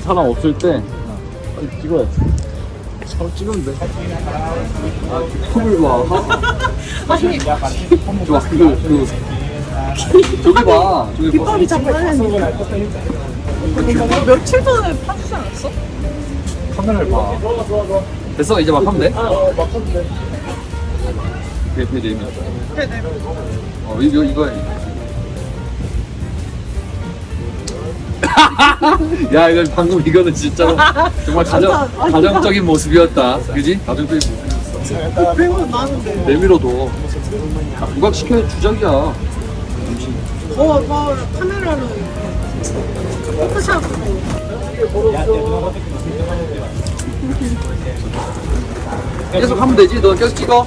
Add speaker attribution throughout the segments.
Speaker 1: 사람 없을 때 빨리 찍어야지. 바로 찍으면 돼. 아, 컵을 봐.
Speaker 2: 아니
Speaker 1: 좋아, 저기 봐. 저기 봐.
Speaker 2: 깃발이 장난이 아니야. 며칠 전에 파주지 않았어?
Speaker 1: 카메라를 봐. 됐어, 이제 막 하면 돼? 배 내밀.
Speaker 2: 네네.
Speaker 1: 이거야. 야, 이거 방금 이거는 진짜로 정말 가정적인 모습이었다. 그지? 가정적인 모습이었어.
Speaker 2: 배우는 나는데.
Speaker 1: 내밀어도 부각시켜야 주작이야.
Speaker 2: 저 카메라로 포토샵.
Speaker 1: 계속 하면 되지. 너 계속 찍어.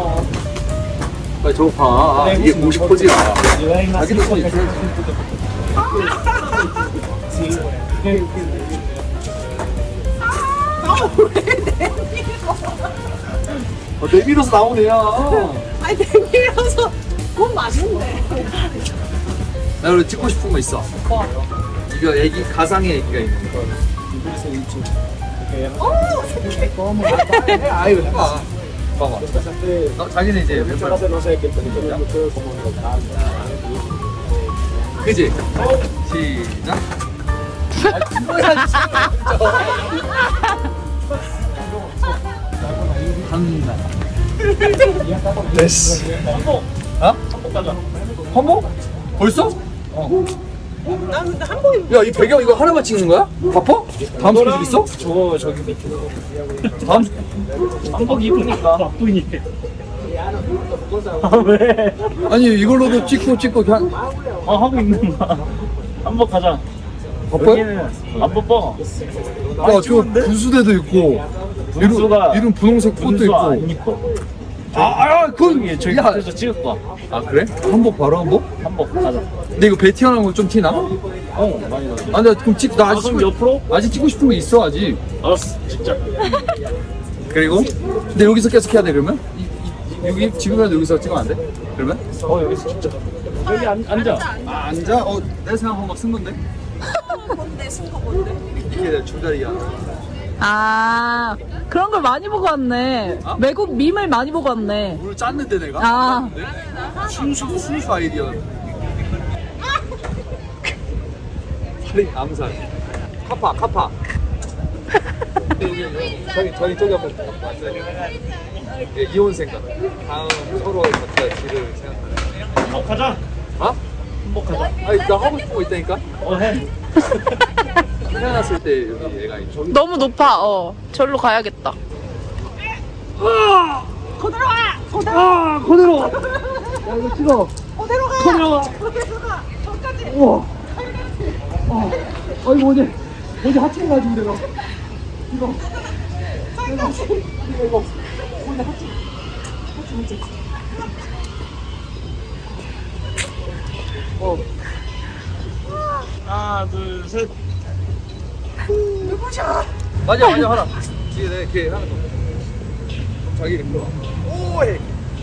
Speaker 1: 빨리 저거 봐. 아, 이게 공식 포즈야. 자기도 손 있어. 내밀어서 나오네, 야.
Speaker 2: 아니 내밀어서 그건 맞는데.
Speaker 1: 나 그리고 찍고 싶은 거 있어. 이거 애기, 가상의 애기가 있는 거. 아유, 해봐. 봐봐. 자기는 이제 왼발. 그지? 시작. 한다. 됐어. 어? 한복? 벌써?
Speaker 2: 난 근데 한복이
Speaker 1: 야, 이 배경 이거 하나만 찍는 거야? 바빠? 다음 스케줄 있어?
Speaker 3: 저거 저기 밑에
Speaker 1: 다음
Speaker 3: 한복 입으니까 바쁘니. 아 왜?
Speaker 1: 아니 이걸로도 찍고 그냥
Speaker 3: 하고 있는 거야. 한복 가자.
Speaker 1: 바빠요?
Speaker 3: 여기는 안 바빠.
Speaker 1: 야, 저 분수대도 있고
Speaker 3: 분수가
Speaker 1: 이런 분홍색 꽃도
Speaker 3: 분수 안
Speaker 1: 있고.
Speaker 3: 입고.
Speaker 1: 그건
Speaker 3: 저기
Speaker 1: 야,
Speaker 3: 앞에서 찍을 거야.
Speaker 1: 아 그래? 한복 바로 한복?
Speaker 3: 한복 가자.
Speaker 1: 근데 이거 배 튀어나온 거 좀 티나?
Speaker 3: 많이 나지.
Speaker 1: 아, 근데 그럼 나 아직
Speaker 3: 그럼 옆으로?
Speaker 1: 아직 찍고 싶은 거 있어 아직.
Speaker 3: 알았어, 진짜.
Speaker 1: 그리고 근데 여기서 계속 해야 돼 그러면? 여기 지금이라도 여기서 찍으면 안 돼? 그러면?
Speaker 3: 여기서 진짜. 여기 앉아.
Speaker 1: 아 앉아? 내 생각한 거쓴 건데?
Speaker 2: 뭔데 쓴거 뭔데?
Speaker 1: 이게 내 줄다리야.
Speaker 4: 아, 그런 걸 많이 보고 왔네.
Speaker 1: 어?
Speaker 4: 외국 밈을 많이 보고 왔네.
Speaker 1: 오늘 짰는데 내가?
Speaker 4: 아.
Speaker 1: 순수 아이디어. 살인 암살. 카파. 저기 앞에 왔어요. 예, 이혼 생각. 다음 서로의 각자 길을 생각하는.
Speaker 3: 가자.
Speaker 1: 어?
Speaker 3: 한복 가자.
Speaker 1: 아니 나 하고 싶은 거 있다니까.
Speaker 3: 해.
Speaker 1: 태어났을 때 여기 얘가 있죠.
Speaker 4: 너무 높아. 절로 가야겠다.
Speaker 2: 그대로 와.
Speaker 1: 아, 그대로. 야 이거 찍어.
Speaker 2: 그대로 가.
Speaker 1: 그대로 가.
Speaker 2: 그대로 가. 저까지.
Speaker 1: 우와. 이거 어제 하체 가지고 내가 이거 오늘 하체
Speaker 3: 하나, 둘, 셋.
Speaker 1: 맞아 하나 걔 하나 더 자기 일로 와. 오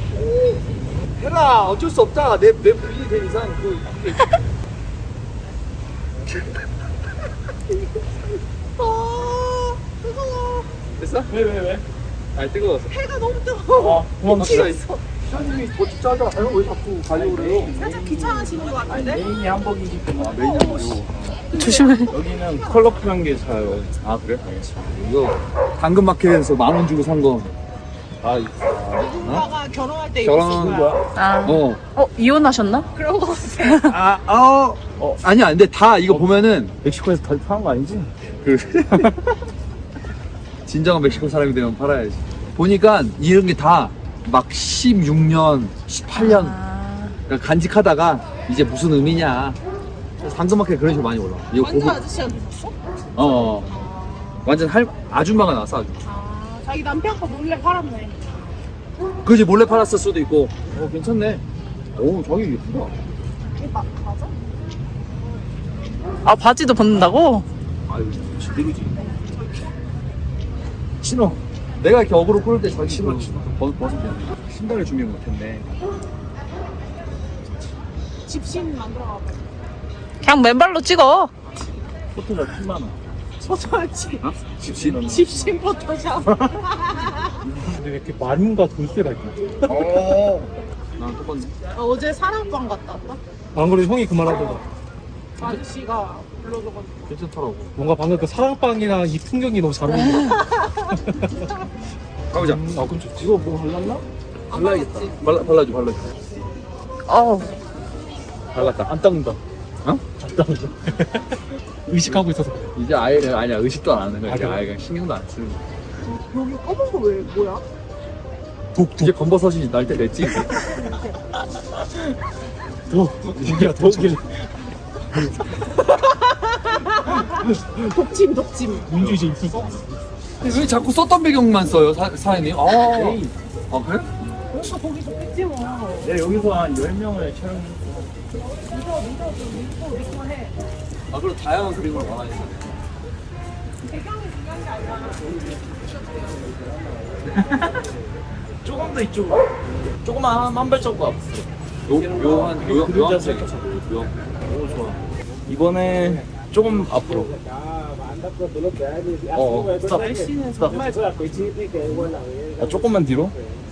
Speaker 1: 해라 어쩔 수 없다 내 부인이 된 이상 됐어?
Speaker 3: 왜?
Speaker 1: 아니 뜨거워서
Speaker 2: 해가 너무 뜨거워.
Speaker 3: 고맙습니다.
Speaker 1: 시장님이 더 짜자 왜 자꾸 가려고 그래요?
Speaker 2: 살짝 귀찮아지는 것 같은데?
Speaker 3: 메인이 한복이기 때문에.
Speaker 1: 메인이 아니고
Speaker 4: 조심해.
Speaker 3: 여기는 컬러풀한 게 사요.
Speaker 1: 아 그래? 이거 당근마켓에서 10,000원 주고 산거
Speaker 2: 누군가가 결혼할 때
Speaker 1: 결혼하는
Speaker 2: 입을
Speaker 1: 거야?
Speaker 4: 아. 이혼하셨나?
Speaker 2: 그런 거 같아.
Speaker 1: 아니야 근데 다 이거 보면은
Speaker 3: 멕시코에서 다 파는 거 아니지?
Speaker 1: 그 진정한 멕시코 사람이 되면 팔아야지. 보니까 이런 게 다 막 16년, 18년 그러니까 간직하다가 이제 무슨 의미냐. 당근마켓 그런 식으로 많이 올라. 이거
Speaker 2: 완전 아저씨한테 줬어?
Speaker 1: 완전 아줌마가 나왔어 아주.
Speaker 2: 자기 남편 거 몰래 팔았네.
Speaker 1: 그지 몰래 팔았을 수도 있고. 괜찮네. 오 저기 예쁘다.
Speaker 2: 이게 맞아?
Speaker 4: 아, 바지도 벗는다고?
Speaker 1: 아유 제대로지. 신어. 내가 이렇게 어그로 끌을 때 자기 신어 벗으면 신발을 준비 못했네.
Speaker 2: 집신 만들어가고.
Speaker 4: 그냥 맨발로 찍어.
Speaker 3: 포토샵 10만 원.
Speaker 2: 포토지.
Speaker 1: 어? 집신?
Speaker 2: 집신 포토샵.
Speaker 5: 근데 왜 이렇게 마름과 돌쇠가 있냐?
Speaker 1: 나랑 똑같네.
Speaker 2: 어제 사랑방 갔다 왔다.
Speaker 5: 안 그래도 형이 그 말하더라.
Speaker 2: 아저씨가 불러줘가지고.
Speaker 1: 괜찮더라고.
Speaker 5: 뭔가 방금 그 사랑방이랑 이 풍경이 너무 잘 어울린다.
Speaker 1: 가보자.
Speaker 5: 아 그럼 좋지.
Speaker 3: 이거 뭐 발랐나?
Speaker 1: 발라야겠다. 발라줘.
Speaker 4: 어우.
Speaker 1: 발랐다.
Speaker 5: 안 닦는다.
Speaker 1: 어?
Speaker 5: 안 닦는다. 의식하고 있어서 그래.
Speaker 1: 이제 아예 아니야 의식도 안 하는 거야.
Speaker 5: 아,
Speaker 1: 이제
Speaker 5: 그래?
Speaker 1: 아예 그냥 신경도 안 쓰는 거야.
Speaker 2: 여기 검은 거 왜 뭐야?
Speaker 1: 이제 검버섯이 날 때 됐지. 이제.
Speaker 5: 독이야 독이.
Speaker 2: 독침.
Speaker 5: 민주주의 있어.
Speaker 1: 왜 자꾸 썼던 배경만 써요 사장님? 아 그래?
Speaker 2: 그래서 거기 좋겠지 뭐.
Speaker 3: 내가 여기서 한 10명을 촬영했어.
Speaker 2: 믿고 해.
Speaker 1: 아 그리고 다양한 그림을 원하니까.
Speaker 2: 배경이 중요한 게 아니라.
Speaker 3: 조금 더 이쪽으로. 조금만 한 발자국 앞.
Speaker 1: 요한색.
Speaker 3: 오 좋아. 이번에 조금 앞으로. 스탑. 스탑. 아, 조금만 뒤로.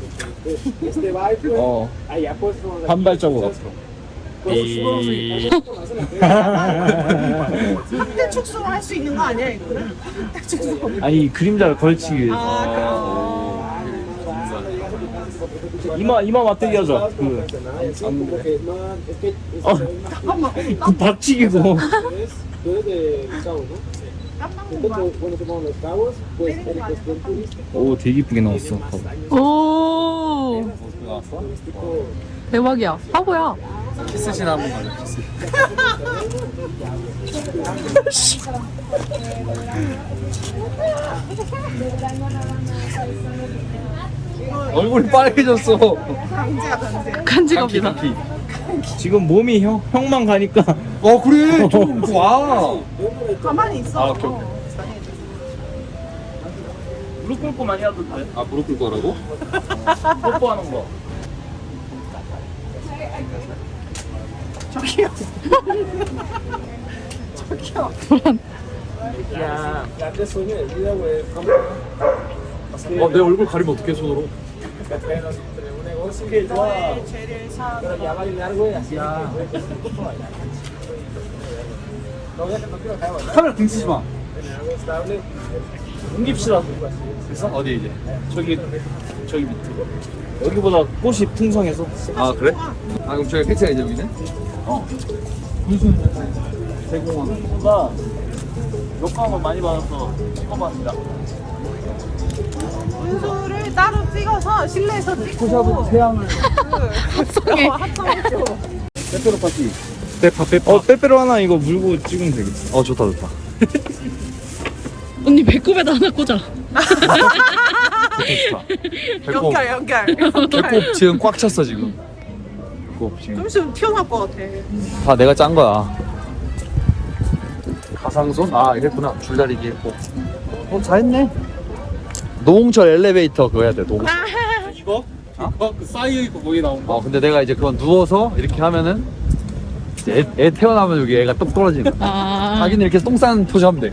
Speaker 3: 한 발자국 앞으로.
Speaker 2: 확대 축소를 할 수 있는 거 아니야 이거는? 확대 축소.
Speaker 3: 아니 그림자를 걸치기 위해서. 이마 맞대기 하자. 그 박치기고. 오 되게 이쁘게 나왔어.
Speaker 4: 오. 대박이야. 바보야.
Speaker 1: 키스신 한번 가자. 키스. 얼굴이 빨개졌어.
Speaker 2: 강제야 강제.
Speaker 4: 간지겁니다.
Speaker 3: 지금 몸이 형만 가니까.
Speaker 1: 그래 좀 와.
Speaker 2: 가만히 있어.
Speaker 1: 오케이.
Speaker 3: 무릎 꿇고 많이 하도 돼.
Speaker 1: 아 무릎 꿇고 하라고?
Speaker 3: 뽀뽀하는 거.
Speaker 2: 저기요.
Speaker 3: 야.
Speaker 1: 내 얼굴 가리면 어떡해 손으로?
Speaker 2: 죄를 사.
Speaker 1: 카메라 등치지 마.
Speaker 3: 옮깁시다.
Speaker 1: 됐어? 어디 이제?
Speaker 3: 저기 밑으로. 여기보다 꽃이 풍성해서.
Speaker 1: 아 그래? 아 그럼 저기 패치가 이제 여기네? 무슨
Speaker 3: 대공원보다 역광을 많이 받아서 찍어봤습니다.
Speaker 2: 분수를 따로 찍어서 실내에서 찍고.
Speaker 1: 포샵은 태양을.
Speaker 4: 합성해.
Speaker 2: 합성했죠.
Speaker 1: 페페로 파티.
Speaker 5: 빼파.
Speaker 3: 빼빼로 하나 이거 물고 찍으면 되겠어.
Speaker 1: 좋다.
Speaker 4: 언니 배꼽에다 하나 꽂아.
Speaker 1: 좋다.
Speaker 2: 연결.
Speaker 1: 배꼽 지금 꽉 찼어 지금. 배꼽 지금.
Speaker 2: 좀 있으면 튀어나올 것 같아.
Speaker 1: 다 내가 짠 거야. 가상손? 이랬구나. 줄다리기 했고. 잘했네. 노홍철 엘리베이터 그거 해야 돼. 노홍철.
Speaker 5: 이거? 이거? 그 사이에 있고 거기 나온 거?
Speaker 1: 근데 내가 이제 그건 누워서 이렇게 하면은 이제 애 태어나면 여기 애가 똑 떨어지는 거야.
Speaker 4: 아.
Speaker 1: 자기는 이렇게 똥 싸는 포즈 하면 돼.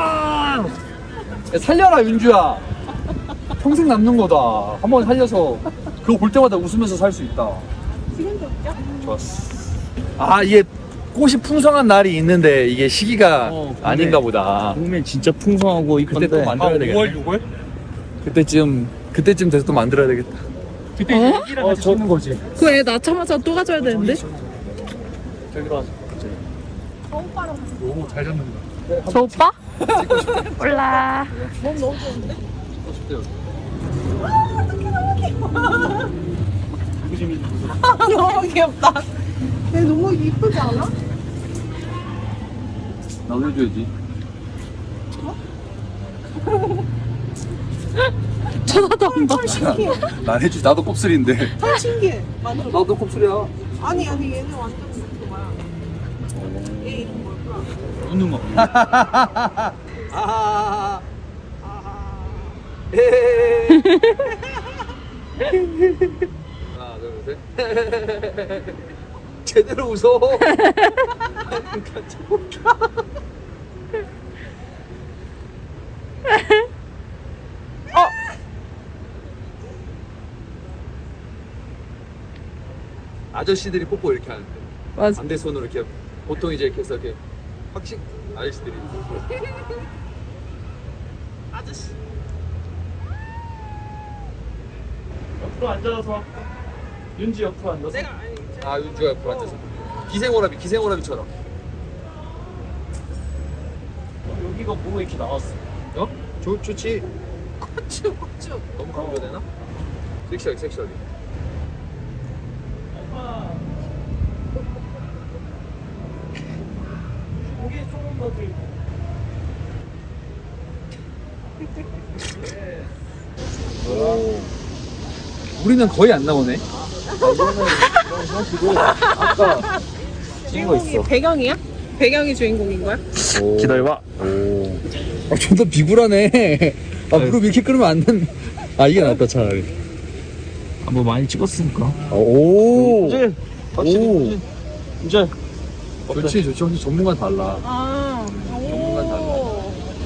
Speaker 1: 야, 살려라 윤주야. 평생 남는 거다. 한번 살려서 그거 볼 때마다 웃으면서 살 수 있다.
Speaker 2: 지금도 웃겨?
Speaker 1: 좋았어. 이게 꽃이 풍성한 날이 있는데 이게 시기가
Speaker 3: 근데
Speaker 1: 아닌가 보다.
Speaker 3: 봄에 진짜 풍성하고
Speaker 1: 그때 또
Speaker 3: 이쁜데.
Speaker 1: 만들어야 되겠다.
Speaker 5: 5월 6월?
Speaker 1: 그때쯤 돼서 또 만들어야 되겠다.
Speaker 5: 그때 이제 애기랑 같이 찍는 거지.
Speaker 4: 그 애 낳자마자 또 가져야 되는데?
Speaker 3: 저기로 하자.
Speaker 2: 저 오빠랑
Speaker 5: 너무 잘 잡는다.
Speaker 4: 저 오빠? 몰라.
Speaker 2: 몸 너무 좋은데? 너무 귀엽다. 얘 너무 이쁘지 않아?
Speaker 1: 나도 해줘야지.
Speaker 4: 쳐다도 안 봐.
Speaker 2: 헐 신기해.
Speaker 1: 난 해주지. 나도 곱슬인데.
Speaker 2: 헐 신기해. 완전.
Speaker 1: 나도 곱슬이야.
Speaker 2: 아니 얘는 완전 그거야. 얘 이름 뭐야?
Speaker 1: 웃는 거. 하나, 둘, 셋. 제대로 웃어. 아저씨들이 뽀뽀 이렇게 하는데
Speaker 4: 맞아.
Speaker 1: 반대 손으로 이렇게 보통 이제 이렇게 해서 이렇게 확씩 아저씨들이
Speaker 2: 아저씨.
Speaker 3: 옆으로 앉아서 윤지 옆으로 앉아서.
Speaker 2: 내가 아니.
Speaker 1: 아 윤주가 옆으로 앉아서 기생오라비처럼
Speaker 3: 여기가 뭐가 이렇게 나왔어?
Speaker 1: 어? 좋지
Speaker 2: 쭉.
Speaker 1: 너무 강조가 되나? 섹시하게
Speaker 3: 고개 조금 더 들고.
Speaker 1: 오. 우리는 거의 안 나오네
Speaker 3: 아까
Speaker 2: 주인공이 배경이야? 배경이 주인공인 거야?
Speaker 3: 기다려봐.
Speaker 1: 아, 존나 비굴하네 아 무릎 이렇게 꿇으면 안 된. 아 이게 낫다 차라리
Speaker 3: 뭐 많이 찍었으니까.
Speaker 1: 오
Speaker 3: 이제 확실히 이제
Speaker 1: 좋지 확실히 전문가 달라
Speaker 2: 아.
Speaker 1: 전문가 달라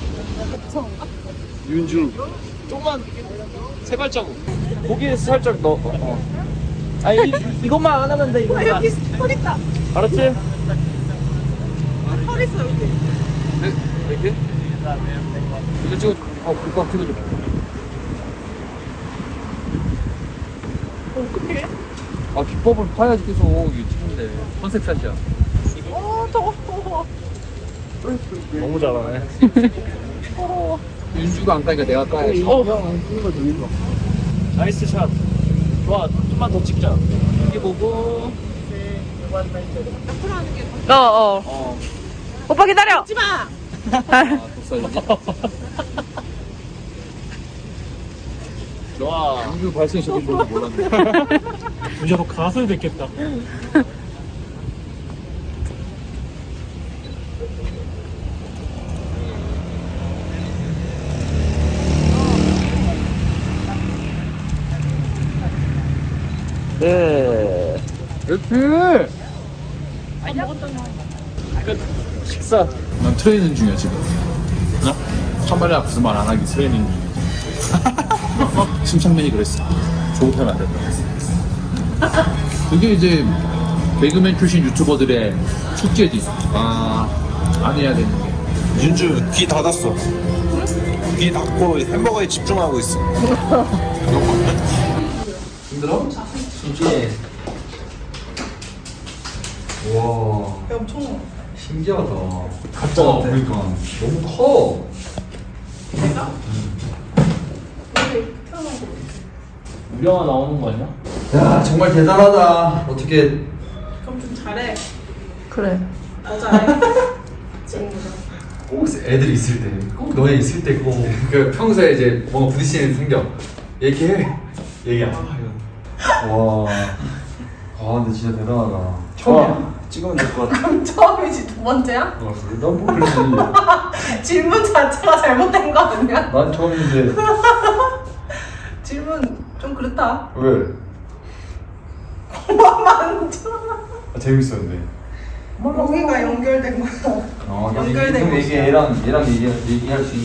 Speaker 3: 윤주 조금만 세 발자국 고기에 살짝 넣어. 아니 이것만 안 하면 돼. 이것만.
Speaker 2: 여기 털 있다.
Speaker 3: 알았지?
Speaker 2: 털 있어 여기.
Speaker 1: 네? 이렇게? 이거 찍어줘 불법 찍어줘
Speaker 2: 어떡해?
Speaker 1: 아 비법을 파야지 계속 이게 찍는데 컨셉샷이야
Speaker 2: 더워.
Speaker 3: 너무 잘하네.
Speaker 1: 윤주가 안 까니까 내가 까야지
Speaker 3: 나이스 샷. 좋아. 좀만 더 찍자. 여기 보고.
Speaker 2: 옆으로 하는 게 더.
Speaker 3: 어.
Speaker 4: 오빠 기다려.
Speaker 2: 하지 마.
Speaker 1: 아 독살이지
Speaker 3: 좋아.
Speaker 1: 윤주 발성이 저기 뭔지 몰랐네
Speaker 5: 이제 너 가수 됐겠다.
Speaker 3: 네.
Speaker 1: 이렇게
Speaker 3: 끝. 식사.
Speaker 6: 난 트레이닝 중이야 지금. 나? 카메라 앞에서 말 안 하기 트레이닝 중이야. 심창민이 그랬어. 조급하면 안 된다. 그게 이제 개그맨 출신 유튜버들의 숙제지. 안 해야 되는 게.
Speaker 7: 윤주 귀 닫았어. 귀 닫고 햄버거에 집중하고 있어.
Speaker 1: 힘들어? 진짜 와
Speaker 2: 배 엄청.
Speaker 1: 신기하다
Speaker 6: 가짜 같아. 그러니까.
Speaker 1: 너무 커
Speaker 2: 내가? 원래 이렇게 태어난 거.
Speaker 3: 유령아 나오는 거 아니야?
Speaker 1: 야 정말 대단하다 어떻게
Speaker 2: 그럼 좀 잘해.
Speaker 4: 그래.
Speaker 2: 더 잘해. 친구가.
Speaker 1: 꼭 애들이 있을 때, 꼭 너네 있을 때 그거 그 평소에 이제 뭔가 부딪히는 일 생겨 얘기해 얘기 안 해. 와, 근데 진짜 대단하다.
Speaker 3: 처음이야. 찍으면 될 것 같아.
Speaker 2: 그럼 처음이지 두 번째야?
Speaker 1: 난 모르지.
Speaker 2: 질문 자체가 잘못된 거 아니야?
Speaker 1: 난 처음인데
Speaker 2: 질문 좀 그렇다.
Speaker 1: 왜?
Speaker 2: 만져.
Speaker 1: 재밌었는데.
Speaker 2: 여기가 연결된 거야. 연결된
Speaker 1: 이게
Speaker 2: 곳이야.
Speaker 1: 얘랑 얘기할 수 있는.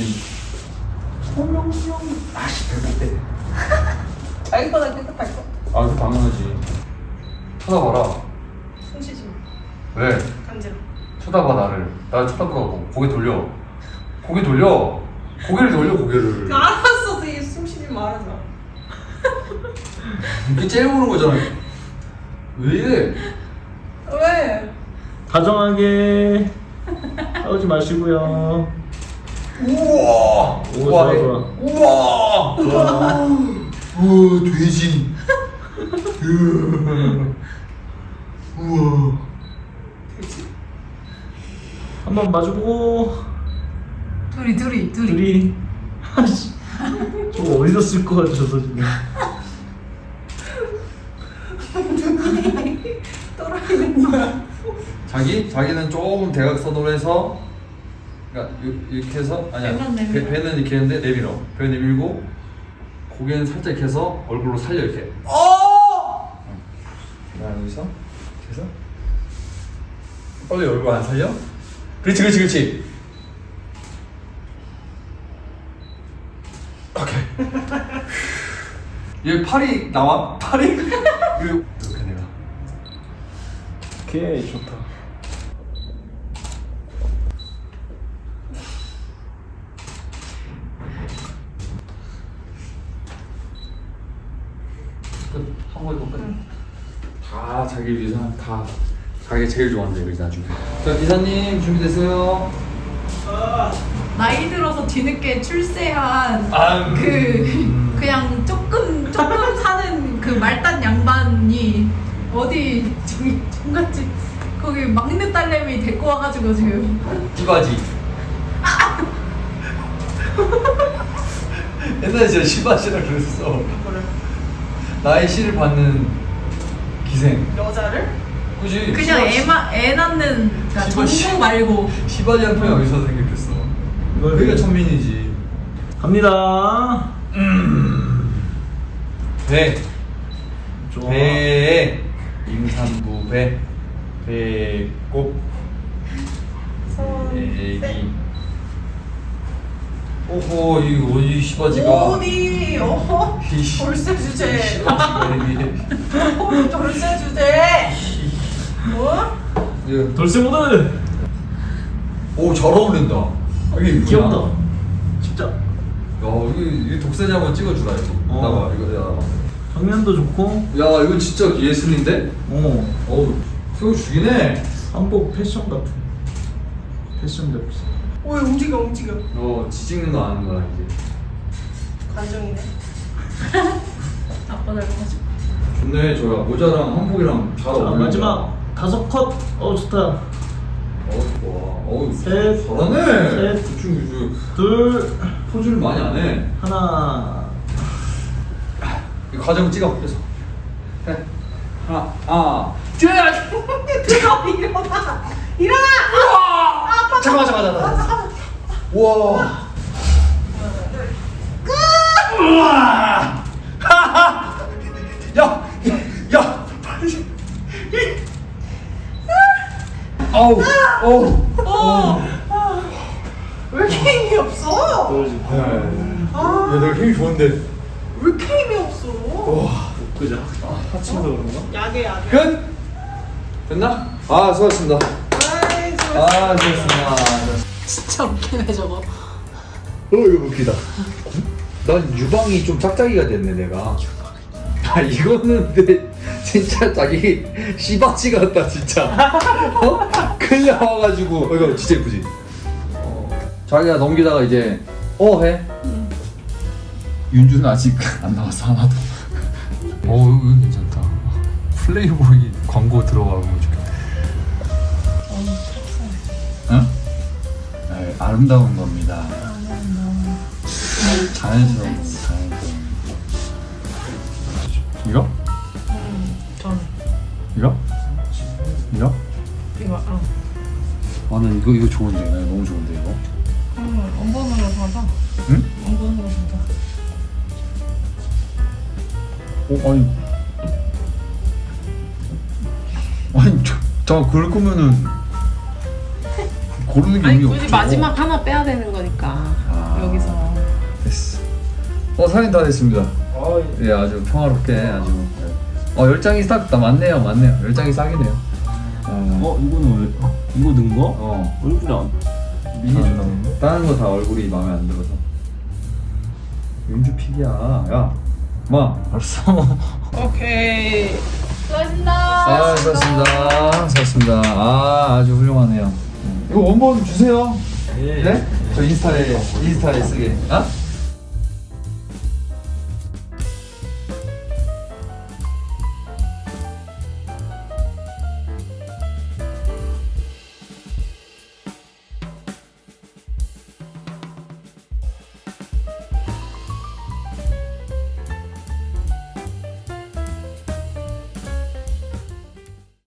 Speaker 1: 아씨 배고프대.
Speaker 2: 자기보다 깨끗할 거.
Speaker 1: 아, 그 당연하지. 쳐다봐라.
Speaker 2: 숨 쉬지 마.
Speaker 1: 왜?
Speaker 2: 간지러.
Speaker 1: 쳐다봐 나를. 나를 쳐다보라고. 고개 돌려. 고개를 돌려 고개를.
Speaker 2: 알았어, 숨 쉬지 말아줘.
Speaker 1: 이게 째려보는 거잖아. 왜 이래?
Speaker 2: 왜?
Speaker 3: 다정하게 싸우지 마시고요.
Speaker 1: 우와.
Speaker 3: 오, 좋아, 좋아.
Speaker 1: 우와. 우와 돼지. 우와.
Speaker 3: 한번 마주보고. 둘이. 아씨. 저거 어디서 쓸 것 같아, 저서 지금.
Speaker 2: 떨어지는 거야.
Speaker 1: 자기는 조금 대각선으로 해서 그러니까 이렇게 해서 아니야
Speaker 2: 배만 내밀어.
Speaker 1: 배는 이렇게 했는데 내밀어 배 내밀고 고개는 살짝 이렇게 해서 얼굴로 살려 이렇게 자 여기서 이렇게 해서 빨리 얼굴 안 살려? 그렇지 얘 팔이 나와? 팔이? 이렇게 내가.
Speaker 3: 오케이 좋다.
Speaker 1: 한 번에 끝. 다 자기 위해서 다 자기가 제일 좋아하는 데를 나중에. 자 기사님 준비됐어요?
Speaker 4: 나이 들어서 뒤늦게 출세한 그냥 조금 사는 그 말단 양반이 어디 저기 종갓집 거기 막내 딸내미 데리고 와가지고 지금
Speaker 1: 시바지. 옛날에 제가 시바지라 그랬어. 나의 시를 받는 기생.
Speaker 2: 여자를?
Speaker 1: 그지?
Speaker 4: 그냥 애 낳는 그러니까
Speaker 1: 시바지.
Speaker 4: 전공 말고
Speaker 1: 시바지한 표현 어디서 생겼겠어? 그게 천민이지.
Speaker 3: 갑니다.
Speaker 1: 배.
Speaker 3: 좋아.
Speaker 1: 배. 임산부 배. 배꼽. 애기. 오호 이 시바지가.
Speaker 2: 어디?
Speaker 1: 이
Speaker 2: 돌쇠 주제.
Speaker 1: 시바지가 이게.
Speaker 2: 돌쇠 주제. 뭐?
Speaker 1: 예.
Speaker 3: 돌쇠 모드.
Speaker 1: 오잘 어울린다. 이게 이쁘냐?
Speaker 3: 귀엽다. 진짜.
Speaker 1: 야 이게 독사진 한번 찍어주라 이거. 나봐 이거
Speaker 3: 정면도 좋고.
Speaker 1: 야 이거 진짜 예술인데? 어우 세워주기네.
Speaker 3: 한복 패션 같은. 패션 잡지.
Speaker 2: 오, 움직여.
Speaker 1: 지찍는 거 아는 거야 이제.
Speaker 2: 관종이네.
Speaker 4: 아빠 닮아가지고
Speaker 1: 좋네 저야 모자랑 한복이랑 잘
Speaker 3: 자,
Speaker 1: 어울린다.
Speaker 3: 마지막 5컷. 좋다.
Speaker 1: 어우
Speaker 3: 셋.
Speaker 1: 잘하네.
Speaker 3: 셋.
Speaker 1: 그 친구
Speaker 3: 둘.
Speaker 1: 포즈를 많이 안 해.
Speaker 3: 하나.
Speaker 1: 이 과정 찍어 그래서. 해. 하나.
Speaker 2: 일어나!
Speaker 1: 잠깐만. 우와. 우와. 야. 아우.
Speaker 2: 왜 이렇게 힘이 없어?
Speaker 1: 야, 내가 힘이 좋은데.
Speaker 2: 왜 이렇게 힘이 없어?
Speaker 3: 그죠? 하체에서 그런가?
Speaker 2: 약해.
Speaker 1: 끝. 됐나? 아, 수고하셨습니다.
Speaker 2: 아이,
Speaker 1: 수고하셨습니다.
Speaker 4: 진짜 웃기네 저거.
Speaker 1: 이거 웃기다. 난 유방이 좀 짝짝이가 됐네 내가. 이거는 근데 진짜 자기 씨바치 같다 진짜. 큰일 나와가지고 이거 진짜 예쁘지. 자기가 넘기다가 이제 해. 윤주는 아직 안 나왔어 하나도. 이거 괜찮다. 플레이보이 광고 들어가면 좋겠다. 응? 아름다운 겁니다. 자연스러운 거. 이거?
Speaker 4: 전
Speaker 1: 이거?
Speaker 4: 이거
Speaker 1: 나는 이거 좋은데. 나 너무 좋은데 이거.
Speaker 4: 원본으로 사자.
Speaker 1: 응?
Speaker 4: 원본으로 사자.
Speaker 1: 아니 잠깐 그럴 거면은 고르는 게
Speaker 8: 아니
Speaker 1: 의미
Speaker 8: 굳이
Speaker 1: 없죠.
Speaker 8: 마지막 하나 빼야 되는 거니까 여기서.
Speaker 1: 됐어. 사인 다 됐습니다. 예, 아주 평화롭게 아주. 10장이 싹 다 맞네요. 10장이 싹이네요.
Speaker 3: 이거는 왜? 이거 넣은 거? 얼굴이 안.
Speaker 1: 미니 좀 다른 거 다 얼굴이 마음에 안 들어서. 윤주 픽이야. 야, 알았어.
Speaker 2: 오케이.
Speaker 4: 수고하셨습니다.
Speaker 1: 수고하셨습니다. 아주 훌륭하네요. 이거 원본 주세요.
Speaker 3: 예.
Speaker 1: 네? 저 인스타에 쓰게.